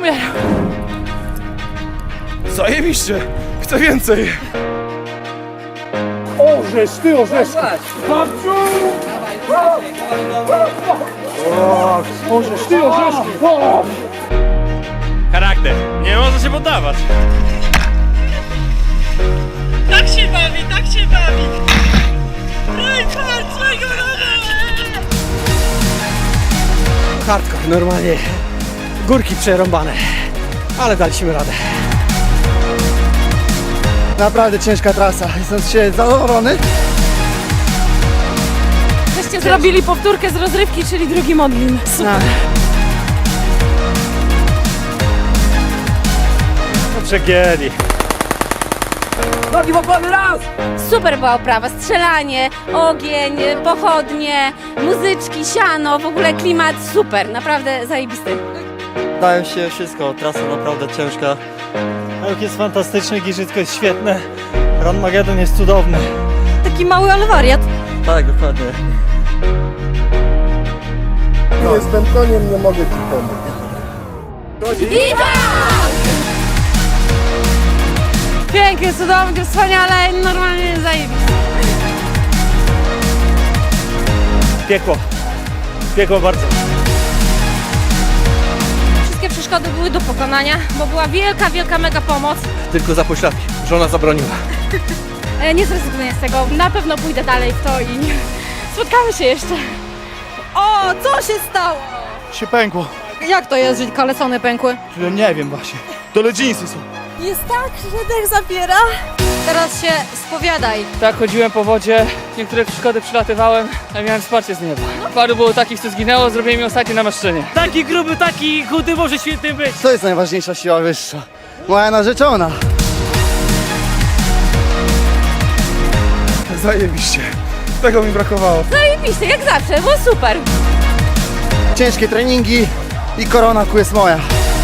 umierał. Zajebiście! Chcę więcej! Orzesz, ty orzesz! Babciu! Orzesz, ty orzesz! Charakter, nie można się poddawać. Tak się bawi, tak się bawi. Reinhardt, swojego Hardcore, normalnie górki przerąbane, ale daliśmy radę. Naprawdę ciężka trasa, jestem z siebie zadowolony. Żeście zrobili powtórkę z rozrywki, czyli drugi modlin. Super. Przegięli. Super była oprawa, strzelanie, ogień, pochodnie, muzyczki, siano, w ogóle klimat super, naprawdę zajebisty. Dają się wszystko, trasa naprawdę ciężka. Ruch jest fantastyczny, giżytko jest świetne. Run Magedon jest cudowny. Taki mały, ale wariat. Tak, dokładnie. Jestem koniem, nie mogę ci pomóc. Pięknie, cudownie, wspaniale, normalnie zajebisty. Piekło. Piekło bardzo. Wszystkie przeszkody były do pokonania, bo była wielka, wielka mega pomoc. Tylko za pośladki. Żona zabroniła. Nie zrezygnuję z tego, na pewno pójdę dalej w to i spotkamy się jeszcze. O, co się stało? Się pękło. Jak to jest, że kalesony pękły? Nie wiem właśnie. Dole dżinsy są. Jest tak, że dech zapiera. Teraz się spowiadaj. Tak, chodziłem po wodzie, niektóre przeszkody przylatywałem, a miałem wsparcie z nieba. Paru było takich, co zginęło, zrobiłem mi ostatnie namaszczenie. Taki gruby, taki chudy może świetny być. To jest najważniejsza siła wyższa. Moja narzeczona. Zajebiście. Tego mi brakowało. Zajebiście, jak zawsze, było super. Ciężkie treningi i korona ku jest moja.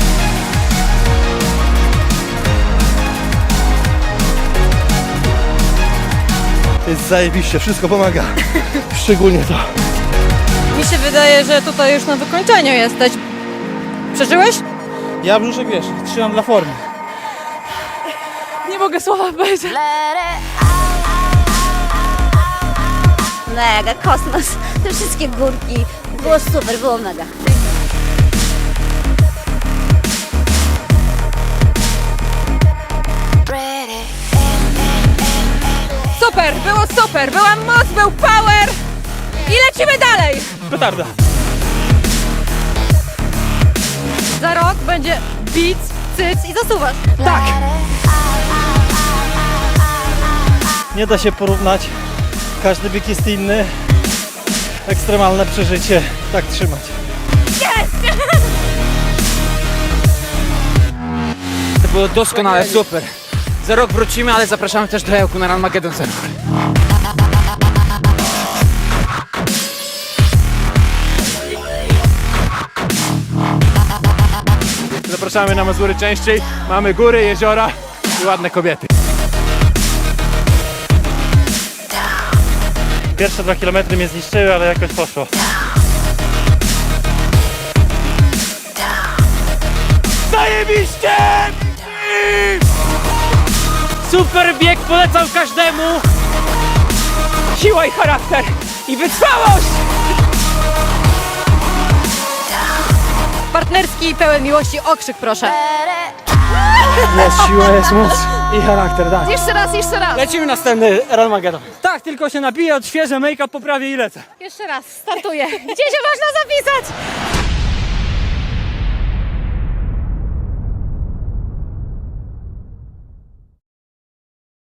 Jest zajebiście, wszystko pomaga. Szczególnie to. Mi się wydaje, że tutaj już na wykończeniu jesteś. Przeżyłeś? Ja brzuszek wiesz, trzymam dla formy. Nie mogę słowa powiedzieć. Mega, kosmos, te wszystkie górki, było super, było mega. Super, było super, była moc, był power i lecimy dalej. Petarda. Za rok będzie bic, cyc i zasuwasz. Tak. Nie da się porównać. Każdy bieg jest inny. Ekstremalne przeżycie. Tak trzymać. To było doskonale, super. Za rok wrócimy, ale zapraszamy też do Ełku na Run Magedon Server. Zapraszamy na Mazury częściej. Mamy góry, jeziora i ładne kobiety. Pierwsze 2 km mnie zniszczyły, ale jakoś poszło. Zajebiście! Super bieg, polecam każdemu. Siła i charakter i wytrwałość. Partnerski i pełen miłości okrzyk, proszę. Jest siła, jest moc i charakter, tak. Jeszcze raz, jeszcze raz. Lecimy następny Run Magedon. Tak, tylko się napiję, odświeżę, make-up poprawię i lecę. Jeszcze raz, startuję. Gdzie się można zapisać?